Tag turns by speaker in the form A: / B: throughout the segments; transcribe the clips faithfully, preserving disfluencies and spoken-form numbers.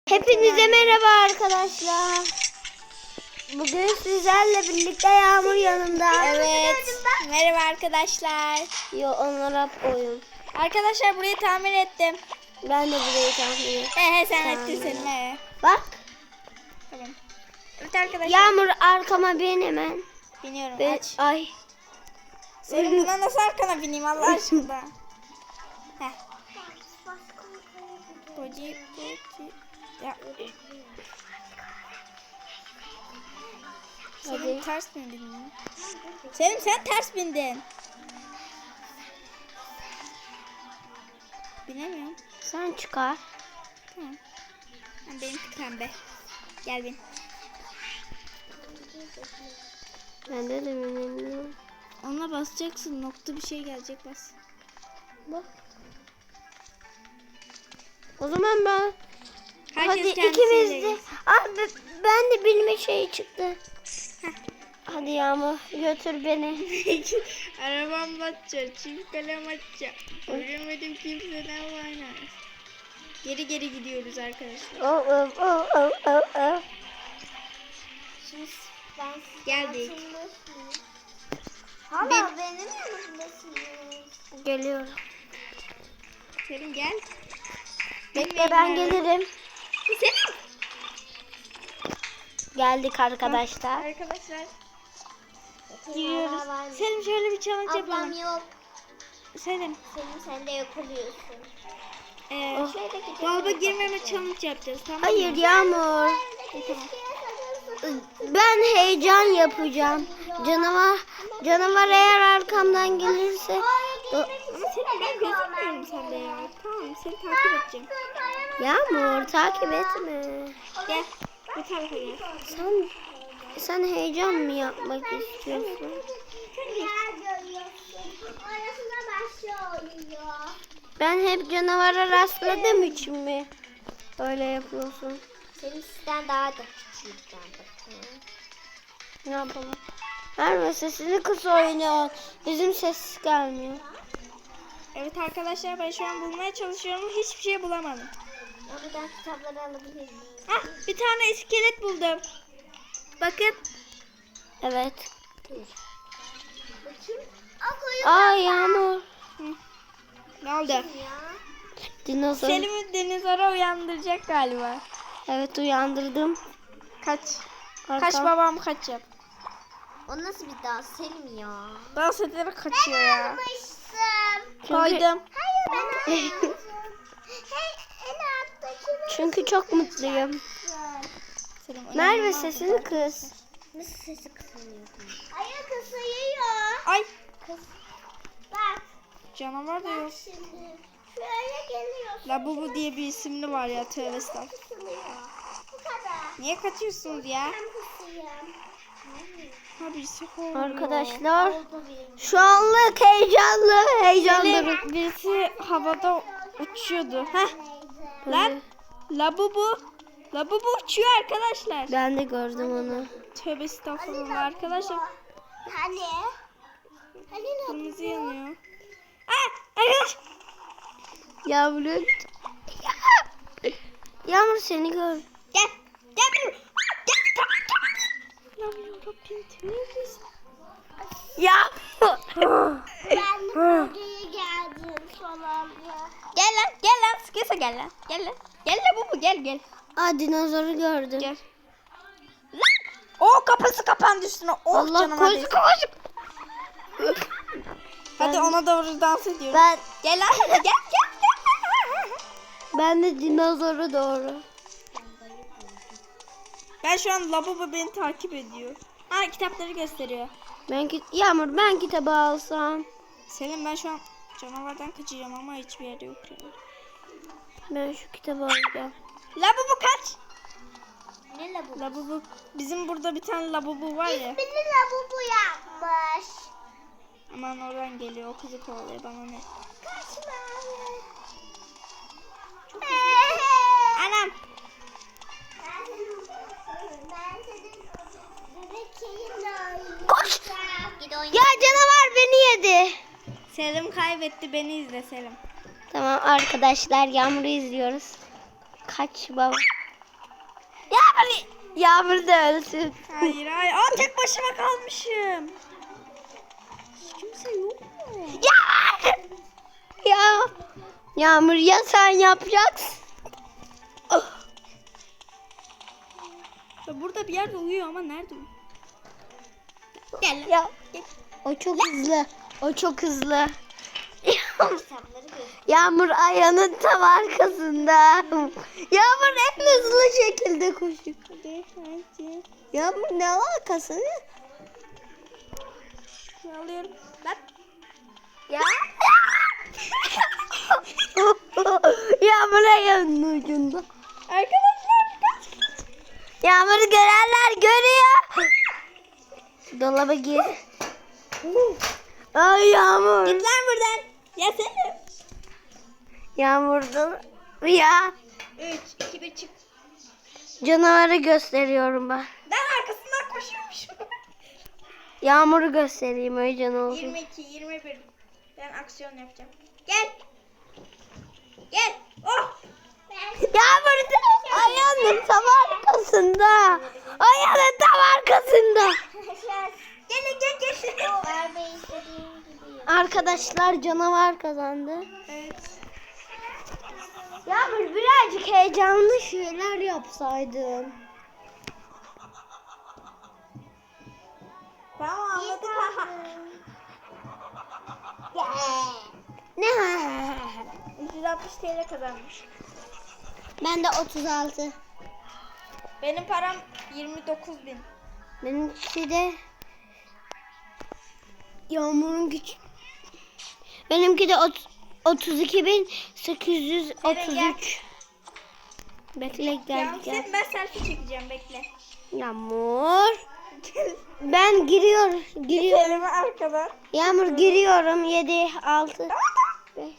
A: Hepinize merhaba arkadaşlar. Bugün sizlerle birlikte Yağmur yanımda.
B: Evet. Merhaba arkadaşlar.
A: Yo, onlar hep oyun.
B: Arkadaşlar burayı tamir ettim.
A: Ben de burayı tahmin ettim.
B: He he sen
A: Tamir.
B: ettin senin he.
A: Bak.
B: Tamam. Evet arkadaşlar.
A: Yağmur arkama bin hemen.
B: Biniyorum
A: Ve,
B: aç.
A: ay.
B: Senin buna nasıl arkana bineyim Allah aşkına. Heh. Boci boci. Ya. Selim
A: Hadi.
B: ters mi bindin? Selim sen ters bindin. Binemiyorum.
A: Sen çıkar.
B: Tamam. Ben benimki pembe. Gel bin.
A: Ben de de binemiyorum.
B: Ona basacaksın. Nokta bir şey gelecek bas.
A: Bak. O zaman ben.
B: Herkes
A: Hadi
B: kendisiyle
A: ikimiz de.
B: gitsin.
A: Abi ben de bilme şeyi çıktı. Hadi Yağmur götür beni.
B: Arabam batacak, çift kalem açacak. Göremedim kimseden oynar. Geri geri gidiyoruz arkadaşlar.
A: Oh oh oh oh oh oh.
B: Geldik.
C: Hala
B: Bin.
C: benim yanımdasınız.
A: Geliyorum.
B: Selim gel.
A: Bekle ben gelirim.
B: Selim.
A: Geldik arkadaşlar.
B: Arkadaşlar. Giriyoruz. Selim şöyle bir challenge
C: Ablam
B: yapalım.
C: yok.
B: Selim.
C: Senin sen de yakalıyorsun.
B: Ee,
A: Oh.
C: Şöyle gidelim.
B: dolaba girmeme challenge yapacağız tamam mı?
A: Hayır Yağmur.
B: Tamam.
A: Ben heyecan yapacağım. Canavar canavar eğer arkamdan gelirse
B: Ama Selim ben gözükmüyorum sende ya. Tamam seni takip edeceğim.
A: Yağmur takip etme.
B: Gel. Bu tarafa gel.
A: Sen sen heyecan mı yapmak istiyorsun?
C: Arasında başlıyor.
A: Ben hep canavara rastladığım için mi öyle yapıyorsun?
C: Senin sizden daha da küçük ben.
A: Ne yapalım? Verme sesini kıs oynuyor. Bizim ses gelmiyor.
B: Evet arkadaşlar ben şu an bulmaya çalışıyorum. Hiçbir şey bulamadım.
C: Ya buradan kitapları alabilir miyim?
B: Ah bir tane iskelet buldum. Bakın.
A: Evet.
C: Bakayım. Akıyor
A: Aa Yağmur.
B: Ne oldu?
C: ya.
A: Dinozor.
B: Selim'i denizara uyandıracak galiba.
A: Evet uyandırdım.
B: Kaç.
A: Arkam.
B: Kaç babam kaç yap.
C: O nasıl bir daha Selim ya?
B: Dans ederek kaçıyor ya.
C: Almıştım.
A: Çünkü,
B: Koydum.
C: Hayır ben almadım. Hey en alttaki
A: çünkü çok mutluyum.
B: Selim,
A: Merve
B: inanılmaz
A: sesini
B: güzel.
A: kıs.
C: nasıl sesi kısılıyor? Hayır kısılıyor.
B: Ay
C: Kıs. Bak.
B: canavar da yok.
C: Bak şimdi. Şöyle geliyorsun.
B: Labubu diye bir isimli var ya tövbe estağfurullah.
C: Kısılıyor. Bu kadar.
B: Niye kaçıyorsunuz ya?
C: Ben kısayım.
B: Ha birisi kovuyor.
A: Arkadaşlar
C: Oldu benim.
A: şu anlık heyecanlı heyecanlı.
B: Selim birisi havada uçuyordu. Heh lan Labubu. Labubu uçuyor arkadaşlar.
A: Ben de gördüm onu.
B: Tövbe estağfurullah arkadaşlar.
C: Hani? Hani ne?
B: Kırmızı yanıyor. Aa arkadaş.
A: Yağmur. Yağmur seni gör.
B: Gel. Gel buraya. Aa, Gel. Tamam tamam. Allah'ım yarabbim temiz.
A: Yağmur.
C: Ben de buraya geldim falan ya.
B: Gel lan gel lan sıkıysa gel lan. Gel lan. Gel Labubu gel gel.
A: Aa dinozoru gördüm.
B: Gel. Lan. O kapısı kapandı üstüne. Oh,
A: Allah
B: canıma
A: koş
B: değsin.
A: koş.
B: Hadi
A: Ben-
B: ona doğru dans ediyoruz.
A: Ben
B: Gel lan hadi gel gel gel.
A: ben de dinozoru doğru.
B: Ben şu an Labubu beni takip ediyor. Aa kitapları gösteriyor.
A: Ben ki Yağmur ben kitabı alsam.
B: Selim ben şu an canavardan kaçacağım ama hiçbir yerde yok. Yani.
A: Ben şu kitabı alacağım.
B: Labubu kaç.
C: Ne la bu?
B: Labubu bizim burada bir tane Labubu var ya.
C: Beni la bu bu yapmış.
B: Aman oradan geliyor o kızı kovalıyor bana ne.
C: Kaçma.
B: Anam.
C: Ben senin ben senin bebeğinle oynayacağım.
A: Koş.
C: Git oyna.
A: Ya canavar beni yedi.
B: Selim kaybetti beni izle Selim.
A: Tamam arkadaşlar Yağmur'u izliyoruz. Kaç baba. Yağmur, Yağmur da ölsün.
B: Hayır hayır. Aa, tek başıma kalmışım. Hiç kimse yok mu?
A: Yağmur. Ya. Yağmur ya sen yapacaksın. Oh.
B: Ya burada bir yerde uyuyor ama nerede uyuyor? Gel lan.
A: Ya. O çok hızlı. O çok hızlı. Yağmur ayağının tam arkasında. Yağmur en hızlı şekilde koşuyor.
B: Hadi hadi.
A: Yağmur ne alakası?
B: Şunu alıyorum. Bak.
A: Ya. Yağmur ayağının ucunda.
B: Arkadaşlar kaç kaç.
A: Yağmur'u görenler görüyor. Dolaba gir. Ay Yağmur.
B: Git lan buradan. Ya sen.
A: Yağmur'dan ya.
B: üç, iki, bir çık.
A: Canavarı gösteriyorum ben.
B: Ben arkasından koşuyormuşum.
A: Yağmur'u göstereyim öyle ne olsun.
B: yirmi iki, yirmi bir. Ben aksiyon yapacağım. Gel. Gel. Oh.
A: Yağmur da ayağının tam arkasında. Ayağının tam arkasında.
B: Gel gel gel.
C: Arabayı istediğin gibi yap.
A: Arkadaşlar canavar kazandı.
B: Evet.
A: Yağmur birazcık heyecanlı şeyler yapsaydın.
B: Tamam anladık.
A: Ne?
B: üç yüz altmış T L kazanmış.
A: Ben de otuz altı.
B: Benim param yirmi dokuz bin.
A: Benimki de Yağmur'un güç. Benimki de otuz iki bin sekiz yüz otuz üç. Bekle gel
B: Yalnız
A: gel.
B: ben selfie çekeceğim bekle.
A: Yağmur. Ben giriyorum. Giriyorum.
B: Elimi arkadan.
A: Yağmur giriyorum. yedi, altı, beş.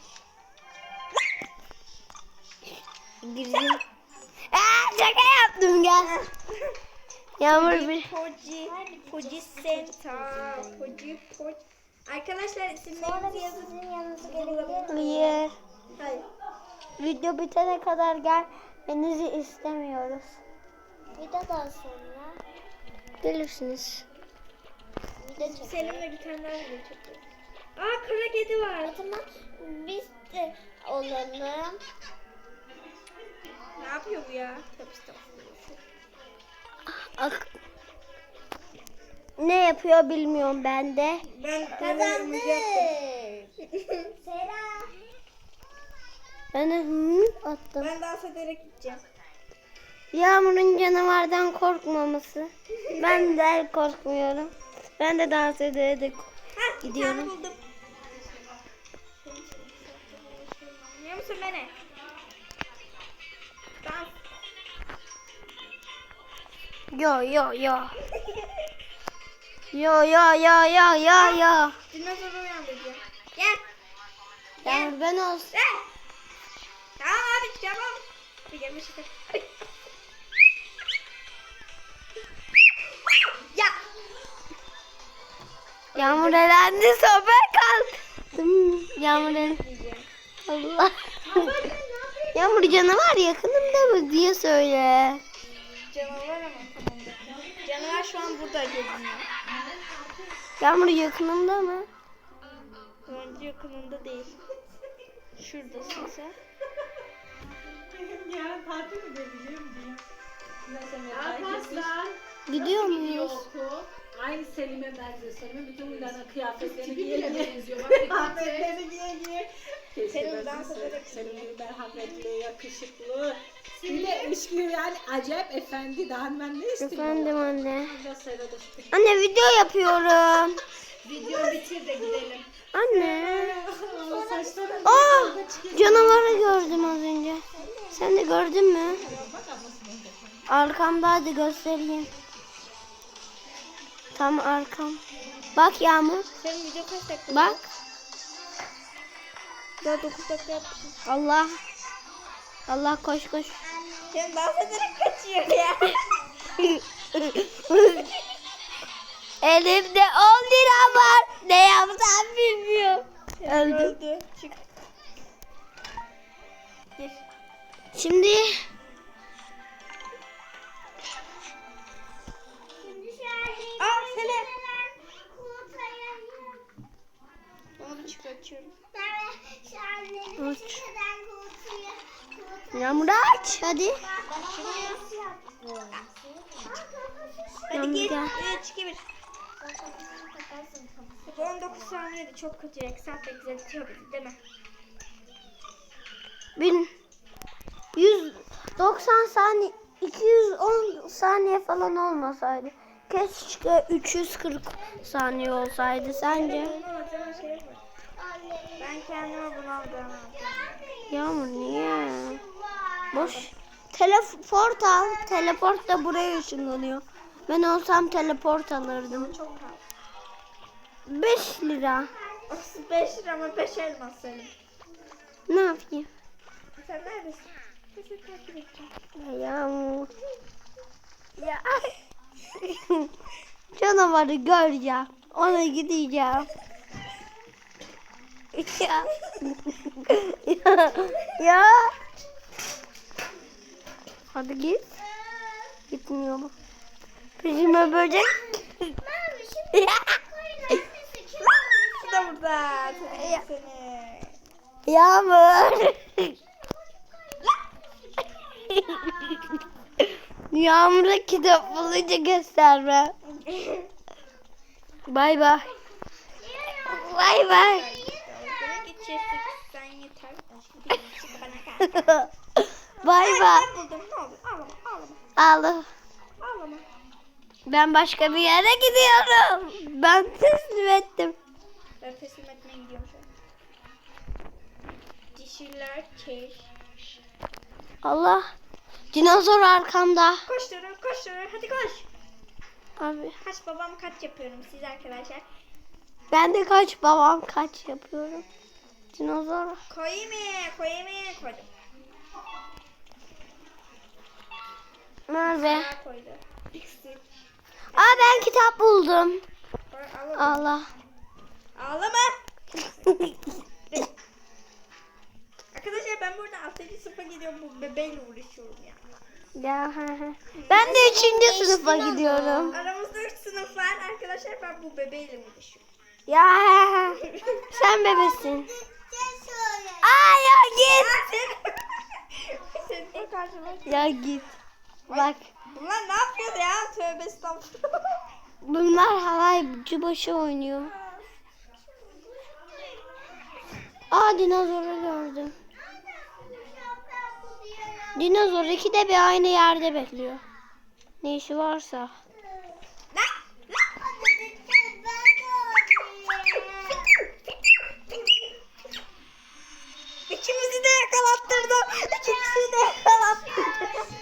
A: Girdim. Aa, şaka yaptım gel. Yağmur bir.
B: Poji, Poji Senta, Poji, Poji. Arkadaşlar isimlerinizi yazın.
C: Sizin yanınıza gelebilir miyim?
A: Hayır.
B: Hayır.
A: Video bitene kadar gelmenizi istemiyoruz.
C: Videodan sonra
A: Gelirsiniz.
C: video çekelim.
B: Selim'le bir tane daha video çekiyoruz. Aa kara kedi var.
C: O zaman biz de olalım.
B: Ne yapıyor bu ya? Tabii estağfurullah.
A: Ak- Ne yapıyor bilmiyorum ben de.
B: Ben
C: Kazandım.
B: yaptım.
C: Sera.
A: Ben de hı attım.
B: Ben dans ederek gideceğim.
A: Yağmur'un canavardan korkmaması. Ben de korkmuyorum. Ben de dans ederek
B: Heh,
A: Gidiyorum.
B: bir tane buldum. Biliyor musun beni? Dans.
A: Yo yo yo. Yo yo yo yo yo yo.
B: Dinozoru uyandıracağım. Gel.
A: Yağmur ben olsun.
B: Gel. Tamam abi tamam. Bir gelmiş işte. Ya.
A: Yağmur elendi sobe kaldım. Yağmur elendi. Allah. Yağmur canavar yakınımda mı diye söyle.
B: Canavar ama tamam. Canavar şu an burada geziniyor.
A: Yağmur yakınımda mı?
B: Bence yakınında değil. Şuradasın sen.
D: Yarın tatil mi vereceğim diye. Arkadaşlar.
A: Gidiyor muyuz?
D: Aynı Selim'e benziyor. Selim'in bütün uylarına kıyafetlerini giye giye.
C: benziyor.
D: Kıyafetlerini giye giye.
B: Selim dans ederek
D: Selim'in merhametli, yakışıklı. Bir de üçlü yani acayip efendi. Daha ben ne istiyorum?
A: Efendim anne.
D: Biraz sırada işte.
A: Anne video yapıyorum.
D: Video bitir de gidelim.
A: Anne.
D: Saçların
A: Aa, canavarı gördüm az önce. Sen de gördün mü? Arkamda hadi göstereyim. Tam arkam. Bak Yağmur.
B: Senin video kaç dakika?
A: Bak.
B: Daha dokuz dakika yapmışsın.
A: Allah. Allah koş koş.
B: Sen dans ederek kaçıyor ya.
A: Elimde on lira var. Ne yapsam bilmiyorum. Öldüm.
B: Öldü. Çık. Gir.
A: Şimdi Yağmur aç hadi.
B: Hadi
A: Yağmur
B: git.
A: gel.
B: üç, iki, bir. on dokuz saniyede çok kötü. Eksat beklettiyor bizi değil mi?
A: bin yüz doksan saniye iki yüz on saniye falan olmasaydı. Keşke üç yüz kırk saniye olsaydı sence?
B: Bunu alacağım şey yapar. Ben kendime bunu alacağım.
A: Yağmur niye? Boş. Teleport al. Teleport da buraya ışınlanıyor. Ben olsam teleport alırdım.
B: Çok pahalı.
A: beş lira.
B: otuz beş lira ama beş elmas senin.
A: Ne yapayım?
B: Sen neredesin? Seni takip edeceğim.
A: Ya Yağmur. Ya. Canavarı göreceğim. Ona gideceğim. Ya. ya. ya. Hadi git. Gitmiyor mu? Peşime böcek. Ya.
B: Bu da burada. Seni. seni.
A: Yağmur. Yağmur'a kitap bulunca gösterme. Bay bay. Bay bay.
B: Dalgaya geçeceğiz. Sen yeter. Başka bir şey bana kal.
A: Bay bay.
B: Ben buldum. Ne olur? Ağlama. Ağlama.
A: Ağla.
B: Ağlama.
A: Ben başka bir yere gidiyorum. Ben teslim ettim.
B: Ben teslim etmeye gidiyorum şu an. Dişiler keş.
A: Allah. Dinozor arkamda.
B: Koş Duru, koş Duru. Hadi koş.
A: Abi.
B: Kaç babam kaç yapıyorum siz arkadaşlar.
A: Ben de kaç babam kaç yapıyorum. Dinozor.
B: Koyayım mı? Koyayım mı? Koydum.
A: Nerede?
B: Sağ koydu. İkisi.
A: Aa ben kitap buldum.
B: Koy, ağlama.
A: Allah.
B: Ağlama. Arkadaşlar ben burada altıncı sınıfa gidiyorum. Bu bebeğle uğraşıyorum ya.
A: Ya, he he. Ben de üçüncü sınıfa gidiyorum.
B: Aramızda üç sınıf var. Arkadaşlar ben bu bebeğle uğraşıyorum.
A: Ya he he. Sen bebesin. Aa ya git.
B: Senin de karşıma.
A: Ya git. Bak.
B: Bunlar ne yapıyor ya? Tövbe estağfurullah.
A: Bunlar halaycı başı oynuyor. Aa dinozoru gördüm. Dinozor iki de bir aynı yerde bekliyor. Ne işi varsa.
B: İkimizi de yakalattırdım. İkimizi de yakalattırdım.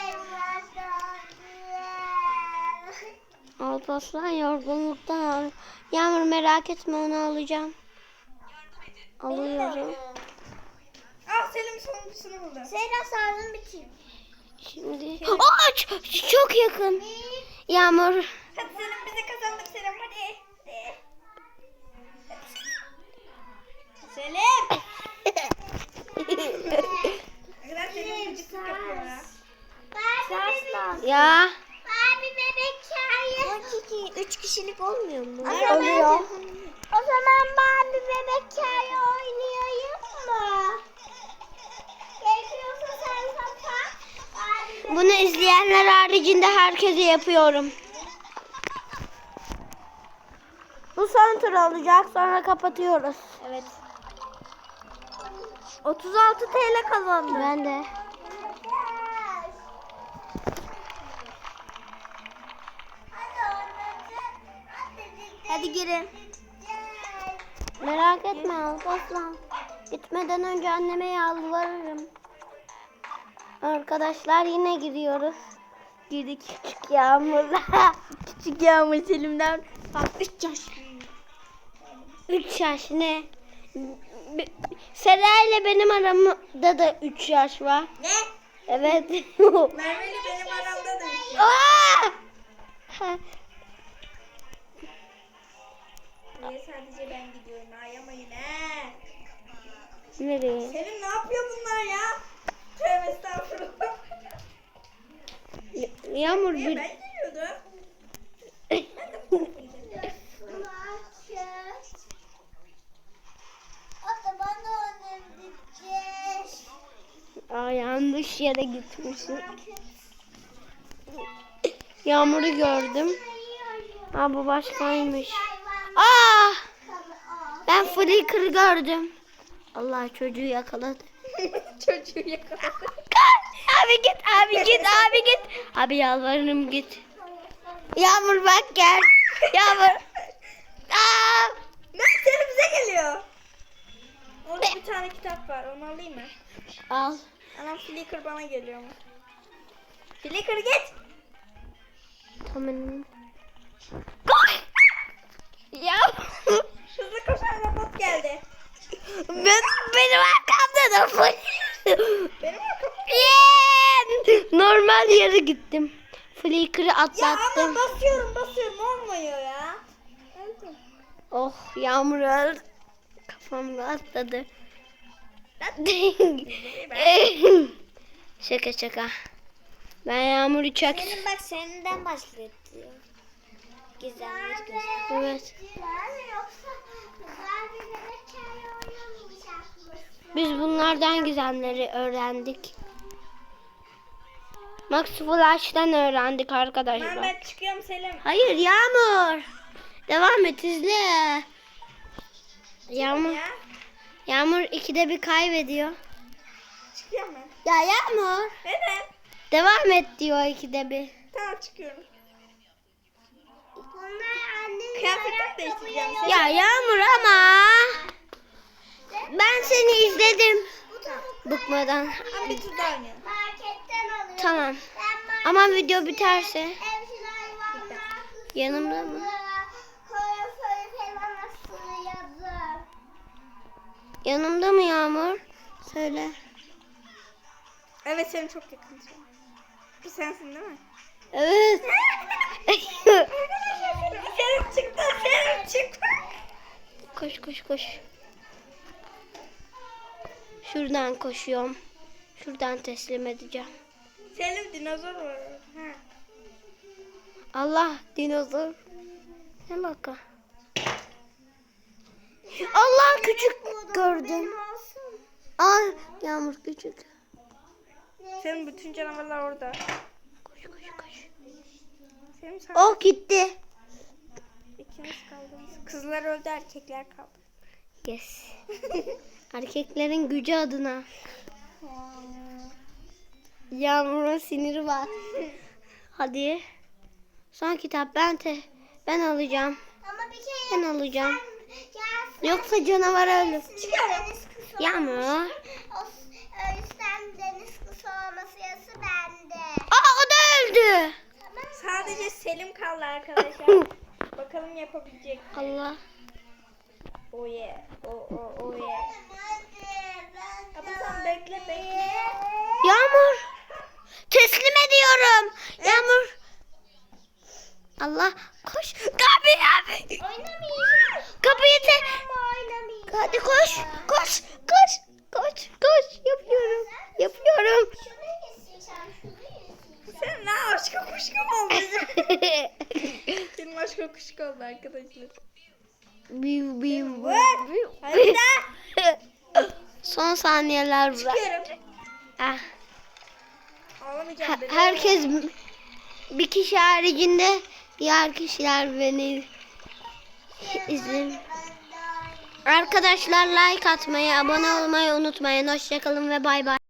A: Alparslan yorgunluktan ağrıyor. Yağmur merak etme onu alacağım. Alıyorum.
B: Al Selim sonuncusunu buldu.
C: Seyra sardım bitirdim.
A: Şimdi. Aa ç- çok yakın. Yağmur.
B: Hadi Selim bize kazandık Selim hadi. Hadi. Selim. Ne kadar Selim gıcıklık yapıyor ya.
C: Barbie
A: Ya.
C: Barbie bebek çayı. iki, üç kişilik olmuyor mu?
A: Oluyor.
C: O zaman Barbie bebek çayı oynayayım mı? Gerekiyorsa sen kapat. Barbie
A: Bunu izleyenler haricinde herkese yapıyorum. Bu son tur olacak sonra kapatıyoruz.
B: Evet.
A: otuz altı T L kazandım. Ben de.
C: Hadi girin.
A: Merak etme Alparslan. Gitmeden önce anneme yalvarırım. Arkadaşlar yine gidiyoruz. Girdik küçük Yağmur'la. Küçük Yağmur Selim'den.
B: Bak üç yaş.
A: üç yaş ne? Sera ile benim aramda da üç yaş var.
B: Ne?
A: Evet.
B: Merve'yle benim aramda da üç yaş.
A: Aa!
B: Niye sadece ben gidiyorum? Ayamayın he.
A: Nereye?
B: Selim ne yapıyor bunlar ya? Tövbe estağfurullah.
A: Yağmur
B: Niye
A: bir...
B: ben giriyordum?
C: O da bana oynayacağız.
A: Aa, yanlış yere gitmişim. Yağmur'u gördüm. Aa, bu başkaymış. Aa! Ben Flickr'ı gördüm. Allah, çocuğu yakaladı.
B: Çocuğu yakaladı.
A: Abi git, abi git, abi git. Abi yalvarırım git. Yağmur bak gel. Yağmur. Aa!
B: Mert seni bize geliyor. Orada bir tane kitap var. Onu alayım mı?
A: Al.
B: Anam Flickr bana geliyor mu? Flickr git.
A: Tamam. Koş. Ya.
B: Hızlı koşan robot geldi.
A: Ben, benim arkamda da full.
B: Benim arkamda.
A: Yeah! Normal yere gittim. Flickr'ı
B: Ya
A: atlattım.
B: ama basıyorum basıyorum olmuyor ya. Öldüm.
A: Oh, Yağmur öldü. Kafamda atladı. Şaka şaka. Ben Yağmur'u çok...
C: Senin bak seninden başlatıyor. Gizemli göster.
A: Evet.
C: Yoksa güzel bir bebek hikaye oynamayacakmışsın.
A: Biz bunlardan gizemleri öğrendik. Max Flash'tan öğrendik arkadaşlar.
B: Mehmet çıkıyorum Selim.
A: Hayır Yağmur. Devam et, izle. Yağmur.
B: Ya.
A: Yağmur ikide bir kaybediyor.
B: Çıkıyorum ben.
A: Ya Yağmur.
B: Neden?
A: Devam et diyor ikide bir.
B: Tamam çıkıyorum.
C: Bunlar annenin
B: Kıyafetimi değiştireceğim Selim.
A: Ya Yağmur ama. Ben seni izledim. Bıkmadan.
B: Ama bir tur daha oynayalım.
C: marketten alıyorum.
A: Tamam.
C: Ben
A: Ama video biterse.
C: evcil hayvanlar
A: Yanımda mı?
C: koyaförü falan asılıyordum.
A: Yanımda mı Yağmur? Söyle.
B: Evet Selim çok yakın. Bu sensin değil mi?
A: Evet.
B: Selim çıktı. Selim çıktı.
A: Koş koş koş. Şuradan koşuyorum. Şuradan teslim edeceğim.
B: Selim dinozor var. Ha.
A: Allah, dinozor. Ne baka? Allah, küçük gördüm. Aa, Yağmur küçük.
B: Selim bütün canavarlar orada.
A: Koş koş koş.
B: Selim sen
A: Oh, gitti.
B: ikimiz kaldınız. Kızlar öldü erkekler kaldı.
A: Yes. Erkeklerin gücü adına. Yağmur'un siniri var. Hadi. Son kitap ben te ben alacağım.
C: Ama bir kere
A: Ben alacağım.
C: gelsin.
A: Yoksa canavar ölür.
C: Deniz kızı
A: Yağmur.
C: olmuş. O, o yüzden deniz kızı olması yası bende.
A: Aa, o da öldü.
B: Sadece Selim kaldı arkadaşlar. Bakalım yapabilecek.
A: Allah.
B: Oh yeah. Oh oh oh yeah.
C: Hadi ben
B: Ama sen bekle bekle.
A: Yağmur. Teslim ediyorum. Yağmur. Allah. Koş. Kapıyı abi.
C: oynamayacağım.
A: Kapıyı te.
C: Ama oynamayacağım.
A: Hadi koş. Koş. Koş. Koş. Koş. Yapıyorum. Yapıyorum.
C: Şunu isteyeceğim. Şunu isteyeceğim.
B: Sen ne aşka kuşku mu oldun? Senin aşka kuşku oldu arkadaşlar.
A: Biu biu
B: Vur.
A: biu.
B: Hadi de.
A: Son saniyeler var.
B: Çıkıyorum.
A: Ah.
B: Ağlamayacağım.
A: Ha-
B: beni.
A: herkes bir kişi haricinde diğer kişiler beni izleyin. Arkadaşlar like atmayı, abone olmayı unutmayın. Hoşçakalın ve bay bay.